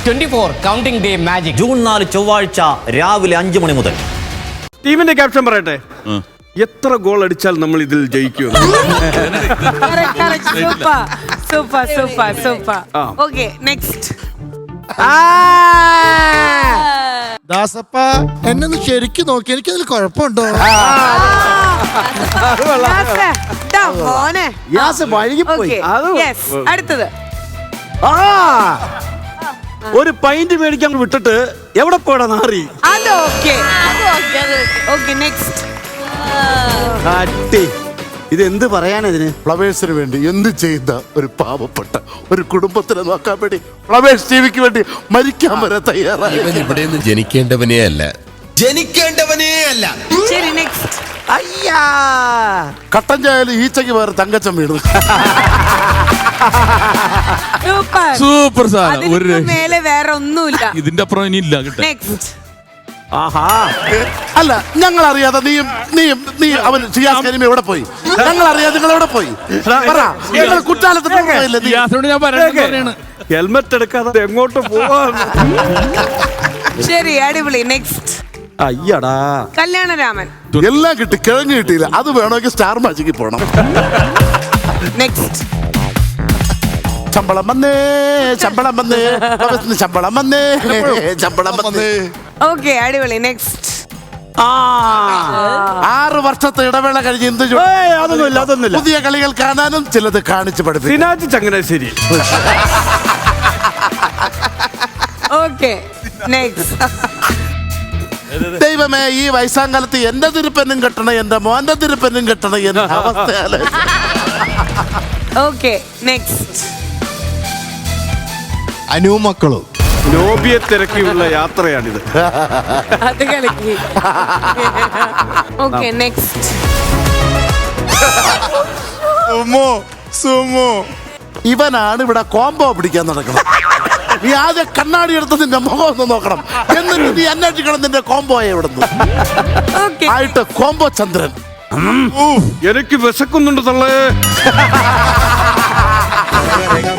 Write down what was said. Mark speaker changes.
Speaker 1: 24 counting day magic.
Speaker 2: June 4 ചൊവ്വാഴ്ച രാവിലെ 5 മണി മുതൽ.
Speaker 3: ടീമിന്റെ ക്യാപ്റ്റൻ പറയട്ടെ, എത്ര ഗോൾ അടിച്ചാൽ നമ്മൾ ഇതിൽ ജയിക്കും?
Speaker 4: സൂപ്പർ. Okay, next.
Speaker 5: ദാസപ്പ എന്നൊന്ന് ശരിക്കും നോക്കി, എനിക്കതിൽ കുഴപ്പമുണ്ടോ?
Speaker 4: അടുത്തത്
Speaker 3: ഒരു പൈന്റ് മേടിക്കാൻ വിട്ടിട്ട് എവിടെ പോടാ നാറി?
Speaker 4: അത് ഓക്കെ. നെക്സ്റ്റ്.
Speaker 3: ഇത് എന്ത് പറയാനതിന്?
Speaker 5: ഫ്ലവേഴ്സിന് വേണ്ടി എന്ത് ചെയ്ത ഒരു പാവപ്പെട്ട ഒരു കുടുംബത്തിനെ നോക്കാൻ വേണ്ടി ഫ്ലവേഴ്സ് ടിവിക്ക് വേണ്ടി മരിക്കാൻ വരെ തയ്യാറായി.
Speaker 6: ഇവിടെയൊന്നും ജനിക്കേണ്ടവനേ അല്ല.
Speaker 4: ശരി, നെക്സ്റ്റ്.
Speaker 3: അയ്യാ,
Speaker 5: കട്ടൻ ചായാലും ഈച്ചയ്ക്ക് വേറെ തങ്കച്ചൻ വീണു.
Speaker 7: സൂപ്പർ സാധനം.
Speaker 4: അതിന് മേലെ വേറെ ഒന്നുമില്ല.
Speaker 7: ഇതിന്റെ അപ്പുറം ഇനി ഇല്ല.
Speaker 4: നെക്സ്റ്റ്.
Speaker 3: ആഹാ,
Speaker 5: അല്ല, ഞങ്ങൾ അറിയാതെ നീ അവൻ ഷിയാസ് കരീം എവിടെ പോയി? ഞങ്ങൾ അറിയാതെ നിങ്ങൾ എവിടെ പോയി? പറ, ഞങ്ങൾ കുറ്റാലത്തിന് പോയില്ലേ നീ?
Speaker 7: ഞാൻ പറയണ
Speaker 3: ഹെൽമെറ്റ് എടുക്കാതെ എങ്ങോട്ട് പോവാ?
Speaker 4: ശരി, അടിപൊളി. നെക്സ്റ്റ്.
Speaker 3: അയ്യടാ,
Speaker 4: കല്യാണരാമൻ.
Speaker 5: എല്ലാം കിട്ടി, കിഴങ്ങ് കിട്ടിയില്ല. അത് വേണമെങ്കിൽ സ്റ്റാർ മാജിക്കിൽ പോണം.
Speaker 4: നെക്സ്റ്റ്.
Speaker 5: ശമ്പളം വന്നേ, ശമ്പളം വന്നേ, ശമ്പളം വന്നേ, ശമ്പളം വന്നേ.
Speaker 4: ഓക്കെ, അടിപൊളി. നെക്സ്റ്റ്.
Speaker 5: 6 വർഷത്തെ ഇടവേള കഴിഞ്ഞ് എന്ത്
Speaker 3: അതൊന്നുമില്ല.
Speaker 5: പുതിയ കളികൾ കാണാനും ചിലത് കാണിച്ചു പഠിപ്പിക്കും.
Speaker 3: സിനാജ് ചങ്ങനാശ്ശേരി.
Speaker 4: Okay, next.
Speaker 5: ദൈവമേ, ഈ വയസ്സാങ്കാലത്ത് എന്റെ തിരുപ്പനും കെട്ടണം, എന്റെ മോന്റെ തിരുപ്പനും കെട്ടണം എന്ന അവസ്ഥയാണ്.
Speaker 4: Okay, next.
Speaker 6: അനുമക്കളും
Speaker 3: നോബിയെ തിരക്കിയുള്ള യാത്രയാണിത്.
Speaker 4: അത് കളിക്ക്. Okay, next.
Speaker 5: ഇവനാണ് ഇവിടെ കോംബോ പിടിക്കാൻ നടക്കണം. നീ ആദ്യം കണ്ണാടി എടുത്ത് നിന്റെ മുഖം ഒന്ന് നോക്കണം, എന്നിട്ട് നീ അന്വേഷിക്കണം നിന്റെ കോംബോയെ ഇവിടുന്ന്.
Speaker 4: ഓക്കെ,
Speaker 5: ആയിട്ട് കോംബോ ചന്ദ്രൻ.
Speaker 3: എനിക്ക് വിശക്കുന്നുണ്ട് തള്ളേ.